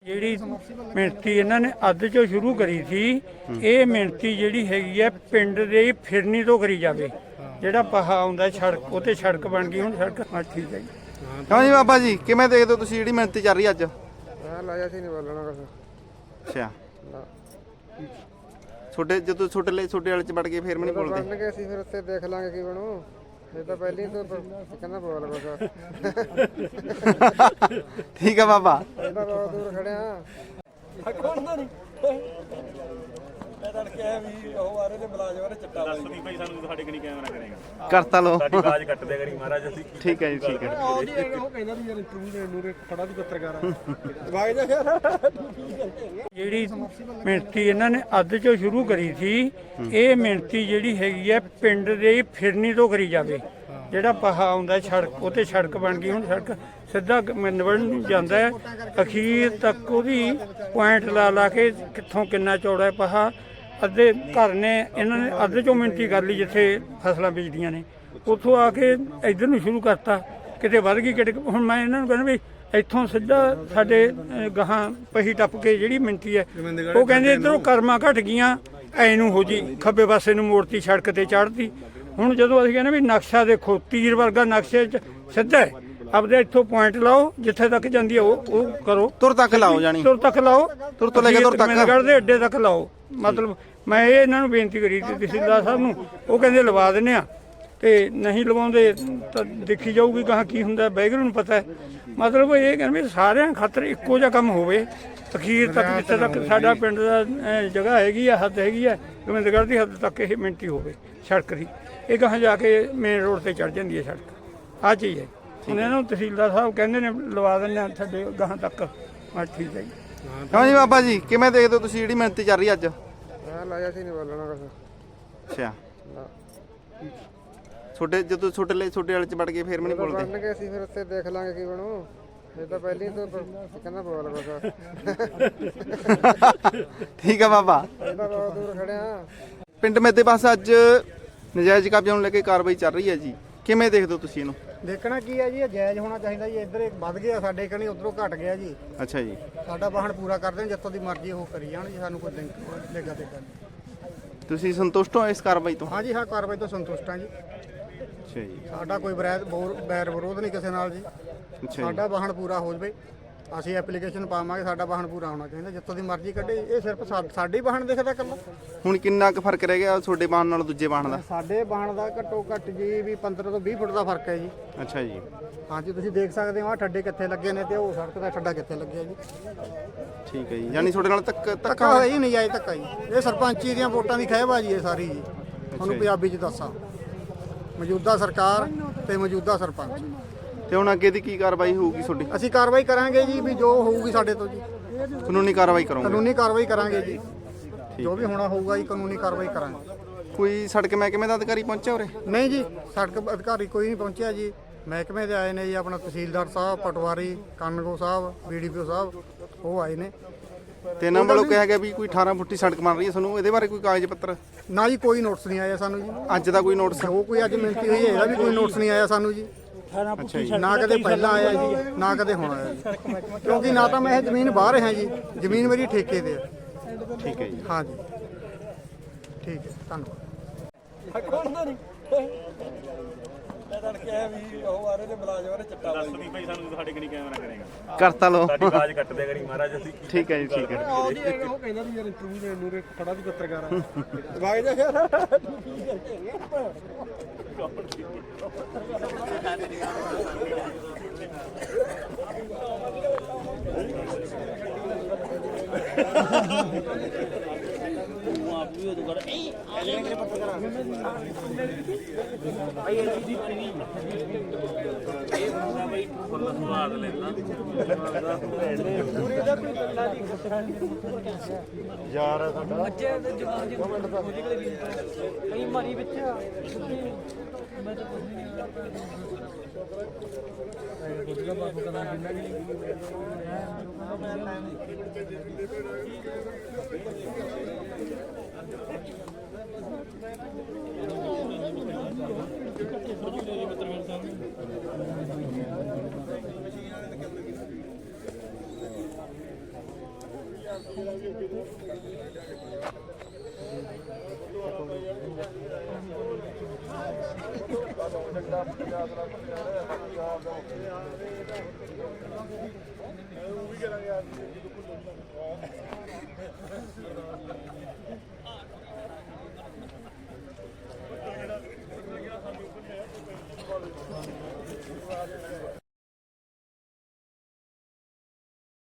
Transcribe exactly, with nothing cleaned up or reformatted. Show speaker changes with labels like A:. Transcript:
A: ਜਿਹੜੀ ਮਿਹਨਤੀ ਇਹਨਾਂ ਨੇ ਅੱਧ ਚੋਂ ਸ਼ੁਰੂ ਕਰੀ ਸੀ, ਇਹ ਮਿਹਨਤੀ ਜਿਹੜੀ ਹੈਗੀ ਹੈ ਪਿੰਡ ਦੇ ਫਿਰਨੀ ਤੋਂ ਕਰੀ ਜਾਵੇ। ਜਿਹੜਾ ਪਹਾ ਆਉਂਦਾ ਸੜਕ ਉਹ ਤੇ ਸੜਕ ਬਣ ਗਈ, ਹੁਣ ਸੜਕ ਹਾਂ ਠੀਕ ਹੈ ਜੀ।
B: ਹਾਂ ਜੀ ਬਾਬਾ ਜੀ, ਕਿਵੇਂ ਦੇਖਦੇ ਹੋ ਤੁਸੀਂ ਜਿਹੜੀ ਮਿਹਨਤੀ ਚੱਲ ਰਹੀ ਅੱਜ?
C: ਮੈਂ ਲਾਇਆ ਸੀ ਨਹੀਂ ਬੋਲਣਾ ਕੁਛ।
B: ਅੱਛਾ, ਛੋਟੇ ਜਦੋਂ ਛੋਟੇ ਲਈ ਛੋਟੇ ਵਾਲੇ ਚ ਵੜ ਕੇ ਫੇਰ ਮੈਂ ਨਹੀਂ ਬੋਲਦੇ।
C: ਬਣ ਗਏ ਸੀ ਫਿਰ ਉੱਥੇ ਦੇਖ ਲਾਂਗੇ ਕੀ ਬਣੂ। ਇਹ ਤਾਂ ਪਹਿਲੀ ਤੋਂ ਕਹਿੰਦਾ ਬੋਲ ਬਸ।
B: ਠੀਕ ਆ ਬਾਬਾ,
C: ਇਹਦਾ ਬਹੁਤ ਦੂਰ ਖੜਿਆ। ਮੈਂ ਤਾਂ ਕਿਹਾ ਵੀ ਉਹ ਆ ਰਹੇ ਨੇ ਮੁਲਾਜ਼ਮ ਆ ਰਹੇ ਚਿੱਟਾ
D: ਦੱਸ ਵੀ ਭਾਈ ਸਾਨੂੰ ਸਾਡੇ ਕਨੀ ਕੈਮਰਾ ਕਰੇਗਾ,
B: ਕਰਤਾ ਲੋ
D: ਸਾਡੀ ਆਵਾਜ਼ ਕੱਟ ਦਿਆ ਕਰੀ ਮਹਾਰਾਜ। ਅਸੀਂ
B: ਠੀਕ ਹੈ ਜੀ, ਠੀਕ ਹੈ।
C: ਉਹ ਕਹਿੰਦਾ ਵੀ ਯਾਰ ਇੰਟਰਵਿਊ ਦੇਣ ਨੂੰ ਖੜਾ ਵੀ ਪੱਤਰਕਾਰ ਆ ਵਾਗ ਜਾ ਫਿਰ।
A: ਜਿਹੜੀ ਮਿਹਨਤੀ ਇਹਨਾਂ ਨੇ ਅੱਧ ਚੋਂ ਸ਼ੁਰੂ ਕਰੀ ਸੀ, ਇਹ ਮਿਹਨਤੀ ਜਿਹੜੀ ਹੈਗੀ ਹੈ ਪਿੰਡ ਦੇ ਫਿਰਨੀ ਤੋਂ ਕਰੀ ਜਾਵੇ। ਜਿਹੜਾ ਪਹਾ ਆਉਂਦਾ ਸੜਕ ਉਹ ਤੇ ਸੜਕ ਬਣ ਗਈ, ਹੁਣ ਸੜਕ ਸਿੱਧਾ ਨਿਵੜਨ ਨੂੰ ਜਾਂਦਾ ਹੈ। ਅਖੀਰ ਤੱਕ ਉਹਦੀ ਪੁਆਇੰਟ ਲਾ ਲਾ ਕੇ ਕਿੱਥੋਂ ਕਿੰਨਾ ਚੌੜਾ ਹੈ ਪਹਾ। ਅੱਧੇ ਘਰ ਨੇ ਇਹਨਾਂ ਨੇ ਅੱਧ ਚੋਂ ਮਿਹਨਤੀ ਕਰ ਲਈ ਜਿੱਥੇ ਫਸਲਾਂ ਬੀਜਦੀਆਂ ਨੇ, ਉੱਥੋਂ ਆ ਕੇ ਇੱਧਰ ਨੂੰ ਸ਼ੁਰੂ ਕਰਤਾ। ਕਿਤੇ ਵੱਧ ਗਈ ਕਿਤੇ। ਹੁਣ ਮੈਂ ਇਹਨਾਂ ਨੂੰ ਕਹਿੰਦਾ ਵੀ ਇੱਥੋਂ ਸਿੱਧਾ ਸਾਡੇ ਗਾਹਾਂ ਪਹੀ ਟੱਪ ਕੇ ਜਿਹੜੀ ਮਿਹਨਤੀ ਹੈ, ਉਹ ਕਹਿੰਦੇ ਇੱਧਰੋਂ ਕਰਮਾਂ ਘਟ ਗਈਆਂ, ਐ ਨੂੰ ਹੋ ਜੀ ਖੱਬੇ ਪਾਸੇ ਨੂੰ ਮੋੜਤੀ, ਸੜਕ ਤੇ ਚੜ੍ਹਦੀ। ਹੁਣ ਜਦੋਂ ਅਸੀਂ ਕਹਿੰਦੇ ਵੀ ਨਕਸ਼ਾ ਦੇਖੋ, ਤੀਰ ਵਰਗਾ ਨਕਸ਼ੇ 'ਚ ਸਿੱਧਾ ਹੈ, ਆਪਦੇ ਇੱਥੋਂ ਪੁਆਇੰਟ ਲਾਓ, ਜਿੱਥੇ ਤੱਕ ਜਾਂਦੀ ਹੈ ਉਹ ਉਹ ਕਰੋ।
B: ਤੁਰ ਤੱਕ ਲਾਓ, ਜਾਣੀ
A: ਤੁਰ ਤੱਕ ਲਾਓ,
B: ਤੁਰ ਤੋਂ ਲੈ ਕੇ ਤੁਰ ਤੱਕ
A: ਦੇ ਅੱਡੇ ਤੱਕ ਲਾਓ। ਮਤਲਬ ਮੈਂ ਇਹ ਇਹਨਾਂ ਨੂੰ ਬੇਨਤੀ ਕਰੀ ਸੀ ਤਹਿਸੀਲਦਾਰ ਸਾਹਿਬ ਨੂੰ, ਉਹ ਕਹਿੰਦੇ ਲਵਾ ਦਿੰਦੇ ਆ, ਤੇ ਨਹੀਂ ਲਵਾਉਂਦੇ ਤਾਂ ਦੇਖੀ ਜਾਊਗੀ ਕਹਾਂ ਕੀ ਹੁੰਦਾ, ਵਾਹਿਗੁਰੂ ਨੂੰ ਪਤਾ ਹੈ। ਮਤਲਬ ਇਹ ਕਹਿੰਦੇ ਵੀ ਸਾਰਿਆਂ ਖਾਤਰ ਇੱਕੋ ਜਿਹਾ ਕੰਮ ਹੋਵੇ। ਅਖੀਰ ਤੱਕ ਜਿੱਥੇ ਤੱਕ ਸਾਡਾ ਪਿੰਡ ਦਾ ਜਗ੍ਹਾ ਹੈਗੀ ਆ, ਹੱਦ ਹੈਗੀ ਆ, ਗੋਬਿੰਦਗੜ੍ਹ ਦੀ ਹੱਦ ਤੱਕ ਇਹ ਮਿਹਨਤੀ ਹੋਵੇ ਸੜਕ ਦੀ। ਇਹ ਗਾਹਾਂ ਜਾ ਕੇ ਮੇਨ ਰੋਡ ਤੇ ਚੜ੍ਹ ਜਾਂਦੀ ਹੈ ਸੜਕ। ਆਹ ਚੀਜ਼ ਹੈ। ਹੁਣ ਇਹਨਾਂ ਨੂੰ ਤਹਿਸੀਲਦਾਰ ਸਾਹਿਬ ਕਹਿੰਦੇ ਨੇ ਲਵਾ ਦਿੰਦੇ ਆ ਸਾਡੇ ਗਾਹਾਂ ਤੱਕ। ਹਾਂ ਠੀਕ ਹੈ ਜੀ।
B: ਹਾਂ ਜੀ ਬਾਬਾ ਜੀ, ਕਿਵੇਂ ਦੇਖਦੇ ਹੋ ਤੁਸੀਂ ਜਿਹੜੀ ਮਿਹਨਤੀ ਚੱਲ ਰਹੀ ਅੱਜ?
C: ਮੈਂ ਲਾਇਆ ਸੀ ਨਹੀਂ ਬੋਲਣਾ ਕੁਛ।
B: ਅੱਛਾ, ਛੋਟੇ ਜਦੋਂ ਛੋਟੇ ਲਈ ਛੋਟੇ ਵਾਲੇ ਚ ਵੜ ਕੇ ਫੇਰ ਮੈਂ ਨਹੀਂ ਬੋਲਦੇ।
C: ਬਣ ਗਏ ਸੀ ਫਿਰ ਉੱਥੇ ਦੇਖ ਲਾਂਗੇ ਕੀ ਬਣੂ। ਇਹ ਤਾਂ ਪਹਿਲੀ ਤੋਂ ਕਹਿੰਦਾ ਬੋਲ ਬਸ।
B: ਠੀਕ ਆ ਬਾਬਾ,
C: ਇਹਦਾ ਬਹੁਤ ਦੂਰ ਖੜਿਆ।
B: ਪਿੰਡ ਮੇਦੇ ਪਾਸ ਅੱਜ ਨਜਾਇਜ਼ ਕਬਜ਼ੇ ਨੂੰ ਲੈ ਕੇ ਕਾਰਵਾਈ ਚੱਲ ਰਹੀ ਹੈ ਜੀ, ਕਿਵੇਂ ਦੇਖਦੇ ਹੋ ਤੁਸੀਂ ਇਹਨੂੰ?
C: ਦੇਖਣਾ ਕੀ ਹੈ ਜੀ, ਇਹ ਜਾਇਜ਼ ਹੋਣਾ ਚਾਹੀਦਾ ਜੀ। ਇੱਧਰ ਵੱਧ ਗਿਆ ਸਾਡੇ ਕਣੀ, ਉਧਰੋਂ ਘਟ ਗਿਆ ਜੀ।
B: ਅੱਛਾ ਜੀ,
C: ਸਾਡਾ ਵਾਹਣ ਪੂਰਾ ਕਰ ਦੇਣ, ਜਿੱਥੋਂ ਦੀ ਮਰਜ਼ੀ ਉਹ ਕਰੀ ਜਾਣ ਜੀ, ਸਾਨੂੰ ਕੋਈ ਦੇਗਾ ਦੇਗਾ।
B: ਤੁਸੀਂ ਸੰਤੁਸ਼ਟ ਹੋ ਇਸ ਕਾਰਵਾਈ ਤੋਂ?
C: ਹਾਂ ਜੀ, ਹਾਂ, ਕਾਰਵਾਈ ਤੋਂ ਸੰਤੁਸ਼ਟ ਹਾਂ ਜੀ।
B: ਅੱਛਾ ਜੀ,
C: ਸਾਡਾ ਕੋਈ ਬੈਰ ਬੈਰ ਵਿਰੋਧ ਨਹੀਂ ਕਿਸੇ ਨਾਲ ਜੀ।
B: ਅੱਛਾ ਜੀ।
C: ਸਾਡਾ ਵਾਹਣ ਪੂਰਾ ਹੋ ਜਵੇ, ਅਸੀਂ ਐਪਲੀਕੇਸ਼ਨ ਪਾਵਾਂਗੇ। ਸਾਡਾ ਵਾਹਣ ਪੂਰਾ ਹੋਣਾ ਚਾਹੀਦਾ, ਜਿੱਥੋਂ ਦੀ ਮਰਜ਼ੀ ਕੱਢੇ। ਇਹ ਸਿਰਫ ਸਾਡੀ ਵਾਹਣ ਦੇਖਦਾ ਇਕੱਲਾ।
B: ਹੁਣ ਕਿੰਨਾ ਕੁ ਫਰਕ ਰਹਿ ਗਿਆ ਤੁਹਾਡੇ ਬਾਣ ਨਾਲ ਦੂਜੇ ਬਾਣ ਦਾ? ਸਾਡੇ
C: ਬਾਣ ਦਾ ਘੱਟੋ ਘੱਟ ਜੀ ਵੀ ਪੰਦਰਾਂ ਤੋਂ ਵੀਹ ਫੁੱਟ ਦਾ ਫਰਕ ਹੈ ਜੀ।
B: ਅੱਛਾ ਜੀ,
C: ਹਾਂਜੀ, ਤੁਸੀਂ ਦੇਖ ਸਕਦੇ ਹੋ ਆਹ ਠੱਡੇ ਕਿੱਥੇ ਲੱਗੇ ਨੇ ਤੇ ਉਹ ਸੜਕ ਦਾ ਠੱਡਾ ਕਿੱਥੇ ਲੱਗਿਆ ਜੀ।
B: ਠੀਕ ਹੈ ਜੀ, ਯਾਨੀ ਤੁਹਾਡੇ ਨਾਲ ਧੱਕਾ
C: ਧੱਕਾ ਹੋਇਆ ਹੀ ਨਹੀਂ ਜਾਏ ਧੱਕਾ ਜੀ। ਇਹ ਸਰਪੰਚੀ ਦੀਆਂ ਵੋਟਾਂ ਦੀ ਖਹਿਬਾਜੀ ਹੈ ਸਾਰੀ ਜੀ। ਤੁਹਾਨੂੰ ਪੰਜਾਬੀ 'ਚ ਦੱਸਾਂ, ਮੌਜੂਦਾ ਸਰਕਾਰ ਤੇ ਮੌਜੂਦਾ ਸਰਪੰਚ।
B: ਤੇ ਹੁਣ ਅੱਗੇ ਦੀ ਕੀ ਕਾਰਵਾਈ ਹੋਊਗੀ ਤੁਹਾਡੀ?
C: ਅਸੀਂ ਕਾਰਵਾਈ ਕਰਾਂਗੇ ਜੀ, ਵੀ ਜੋ ਹੋਊਗੀ ਸਾਡੇ ਤੋਂ ਜੀ
B: ਕਾਨੂੰਨੀ ਕਾਰਵਾਈ ਕਰੋਗੇ?
C: ਕਾਨੂੰਨੀ ਕਾਰਵਾਈ ਕਰਾਂਗੇ ਜੀ, ਜੋ ਵੀ ਹੋਣਾ ਹੋਊਗਾ ਜੀ ਕਾਨੂੰਨੀ ਕਾਰਵਾਈ ਕਰਾਂਗੇ।
B: ਕੋਈ ਸੜਕ ਮਹਿਕਮੇ ਦਾ ਅਧਿਕਾਰੀ ਪਹੁੰਚਿਆ ਉਰੇ?
C: ਨਹੀਂ ਜੀ, ਸੜਕ ਅਧਿਕਾਰੀ ਕੋਈ ਨਹੀਂ ਪਹੁੰਚਿਆ ਜੀ। ਮਹਿਕਮੇ ਦੇ ਆਏ ਨੇ ਜੀ, ਆਪਣਾ ਤਹਿਸੀਲਦਾਰ ਸਾਹਿਬ, ਪਟਵਾਰੀ ਕਾਨਗੋ ਸਾਹਿਬ, ਬੀਡੀਪੀਓ ਸਾਹਿਬ, ਉਹ ਆਏ ਨੇ।
B: ਤੇ ਇਹਨਾਂ ਵੱਲੋਂ ਕਿਹਾ ਗਿਆ ਵੀ ਕੋਈ ਅਠਾਰਾਂ ਫੁੱਟੀ ਸੜਕ ਬਣ ਰਹੀ ਹੈ, ਤੁਹਾਨੂੰ ਇਹਦੇ ਬਾਰੇ ਕੋਈ ਕਾਗਜ਼ ਪੱਤਰ?
C: ਨਾ ਜੀ, ਕੋਈ ਨੋਟਿਸ ਨਹੀਂ ਆਇਆ ਸਾਨੂੰ ਜੀ।
B: ਅੱਜ ਦਾ ਕੋਈ ਨੋਟਿਸ?
C: ਉਹ ਕੋਈ ਅੱਜ ਮਿਹਨਤੀ ਹੋਈ ਹੈ, ਇਹਦਾ ਵੀ ਕੋਈ ਨੋਟਿਸ ਨਹੀਂ ਆਇਆ ਸਾਨੂੰ ਜੀ।
B: ਅੱਛਾ ਜੀ,
C: ਨਾ ਕਦੇ ਪਹਿਲਾਂ ਆਇਆ ਜੀ, ਨਾ ਕਦੇ ਹੁਣ ਆਇਆ ਜੀ। ਕਿਉਂਕਿ ਨਾ ਤਾਂ ਮੈਂ ਇਹ ਜ਼ਮੀਨ ਬਾਹਰ ਰਿਹਾ ਜੀ, ਜ਼ਮੀਨ ਮੇਰੀ ਠੇਕੇ ਤੇ ਹੈ।
B: ਠੀਕ ਹੈ ਜੀ,
C: ਹਾਂ ਜੀ, ਠੀਕ ਹੈ, ਧੰਨਵਾਦ। ਮੈਂ ਤਾਂ ਕਿਹਾ ਵੀ ਉਹ ਆ ਰਹੇ ਨੇ ਮੁਲਾਜ਼ਮ ਆ ਰਹੇ ਚਿੱਟਾ।
D: ਦੱਸ ਵੀ ਭਾਈ ਸਾਨੂੰ ਸਾਡੇ ਕਨੀ ਕੈਮਰਾ ਕਰੇਗਾ,
B: ਕਰਤਾ ਲੋ
D: ਸਾਡੀ ਆਵਾਜ਼ ਕੱਟ ਦਿਆ ਕਰੀ ਮਹਾਰਾਜ। ਅਸੀਂ
B: ਠੀਕ ਹੈ ਜੀ, ਠੀਕ ਹੈ।
C: ਉਹ ਕਹਿੰਦਾ ਵੀ ਯਾਰ ਇੰਟਰਵਿਊ ਦੇਣ ਨੂੰ ਖੜਾ ਵੀ ਪੱਤਰਕਾਰ ਆ ਵਾਗ ਜਾ ਫਿਰ।
D: ਸਵਾਦ ਲੈਂਦਾ
B: ਯਾਰ ਸਾਡਾ
E: ਬੱਚੇ ਦੇ ਜਵਾਨ ਜੀ ਕਈ ਮਾਰੀ ਵਿੱਚ ਮੈਂ ਤਾਂ ਕੁਝ ਨਹੀਂ ਕੁਝ ਬਾਪੂ ਕਦਾ ਕਿੰਨਾ ਵੀ
B: ਉਹ ਵੀ ਕਰਾਂਗੇ